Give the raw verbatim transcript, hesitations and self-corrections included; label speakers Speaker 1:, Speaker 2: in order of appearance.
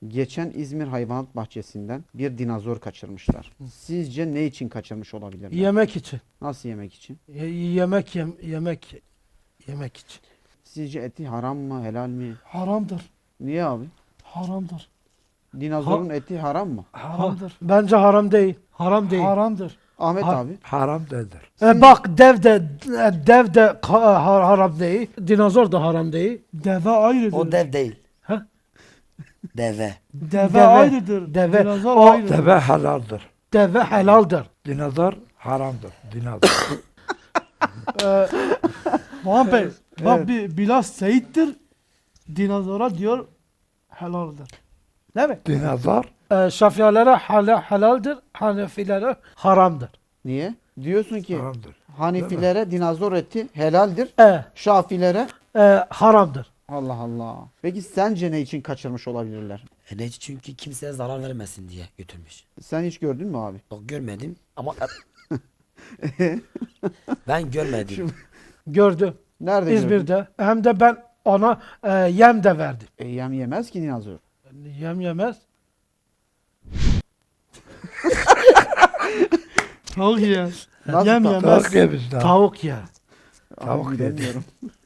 Speaker 1: Geçen İzmir Hayvanat Bahçesi'nden bir dinozor kaçırmışlar. Sizce ne için kaçırmış olabilirler?
Speaker 2: Yemek için.
Speaker 1: Nasıl yemek için?
Speaker 2: Ye- yemek yem yemek yemek için.
Speaker 1: Sizce eti haram mı, helal mi?
Speaker 3: Haramdır.
Speaker 1: Niye abi?
Speaker 3: Haramdır.
Speaker 1: Dinozorun eti haram mı?
Speaker 3: Haramdır.
Speaker 2: Bence haram değil. Haram değil.
Speaker 3: Haramdır.
Speaker 1: Ahmet
Speaker 2: Ha-
Speaker 1: abi.
Speaker 4: Haram değildir.
Speaker 2: E bak dev de e, dev de ka- ha- haram değil. Dinozor da haram değil.
Speaker 3: Deve ayrıdır.
Speaker 5: O dev değil.
Speaker 2: Ha?
Speaker 5: Deve.
Speaker 3: Deve,
Speaker 2: Deve,
Speaker 3: ayrıdır.
Speaker 2: deve.
Speaker 3: Dinozor
Speaker 2: O-
Speaker 3: ayrıdır.
Speaker 4: Deve helaldir.
Speaker 2: Deve helaldir.
Speaker 4: Dinozor haramdır. Dinozor.
Speaker 2: Ee,
Speaker 3: Muhammed Bey, bak
Speaker 1: Evet.
Speaker 3: bir Bilal Seyit'tir. Dinozora diyor helaldir. Değil mi?
Speaker 4: Dinozor
Speaker 2: e, Şafiilere hal- helaldir. Hanefilere haramdır.
Speaker 1: Niye? Diyorsun ki
Speaker 4: haramdır.
Speaker 1: Hanifilere dinozor eti helaldir.
Speaker 2: E,
Speaker 1: Şafilere
Speaker 2: e, haramdır.
Speaker 1: Allah Allah. Peki sence ne için kaçırmış olabilirler?
Speaker 5: E ne? Çünkü kimseye zarar vermesin diye götürmüş.
Speaker 1: Sen hiç gördün mü abi?
Speaker 5: Bak görmedim ama ben görmedim.
Speaker 2: Gördüm.
Speaker 1: Nerede gördün?
Speaker 2: İzmir'de. Hem de ben ona e, yem de verdim.
Speaker 1: E, yem yemez ki dinozor.
Speaker 2: Yem yemez.
Speaker 3: Tavuk yer.
Speaker 1: Nasıl
Speaker 3: Yem
Speaker 1: ta-
Speaker 3: yemez.
Speaker 4: Tavuk yemişler.
Speaker 2: Tavuk yer.
Speaker 1: Abi
Speaker 4: Tavuk yedi.
Speaker 1: bilemiyorum.